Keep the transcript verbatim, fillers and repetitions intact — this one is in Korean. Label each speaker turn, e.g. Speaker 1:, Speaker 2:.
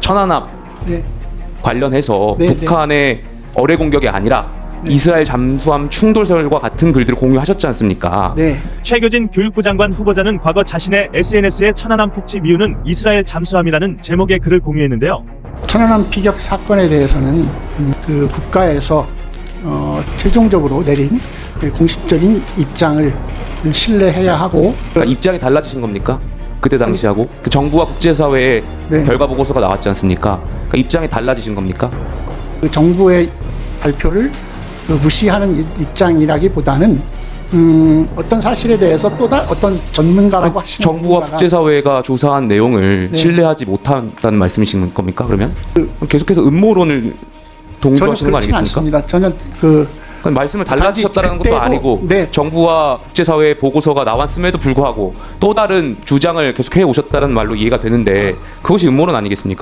Speaker 1: 천안함
Speaker 2: 네.
Speaker 1: 관련해서
Speaker 2: 네,
Speaker 1: 북한의 어뢰 공격이 아니라
Speaker 2: 네.
Speaker 1: 이스라엘 잠수함 충돌설과 같은 글들을 공유하셨지 않습니까?
Speaker 2: 네.
Speaker 3: 최교진 교육부 장관 후보자는 과거 자신의 에스엔에스에 천안함 폭치 미우는 이스라엘 잠수함이라는 제목의 글을 공유했는데요.
Speaker 2: 천안함 피격 사건에 대해서는 음, 그 국가에서 어, 최종적으로 내린 그 공식적인 입장을 신뢰해야 하고
Speaker 1: 그러니까 입장이 달라지신 겁니까? 그때 당시하고 그 정부와 국제사회의
Speaker 2: 네.
Speaker 1: 결과 보고서가 나왔지 않습니까? 그러니까 입장이 달라지신 겁니까?
Speaker 2: 그 정부의 발표를 그 무시하는 이- 입장이라기보다는 음, 어떤 사실에 대해서 또 다 어떤 전문가라고 하시는
Speaker 1: 정부와
Speaker 2: 분과가
Speaker 1: 국제사회가 조사한 내용을
Speaker 2: 네.
Speaker 1: 신뢰하지 못한다는 말씀이신 겁니까? 그러면 그럼 계속해서 음모론을
Speaker 2: 전혀
Speaker 1: 동조하시는 거
Speaker 2: 그렇지는
Speaker 1: 아니겠습니까?
Speaker 2: 않습니다. 전혀 그
Speaker 1: 그럼 말씀을 달라지셨다는
Speaker 2: 단지
Speaker 1: 것도
Speaker 2: 그때도-
Speaker 1: 아니고
Speaker 2: 네.
Speaker 1: 정부와 국제사회의 보고서가 나왔음에도 불구하고 또 다른 주장을 계속해 오셨다는 말로 이해가 되는데 그것이 음모론 아니겠습니까?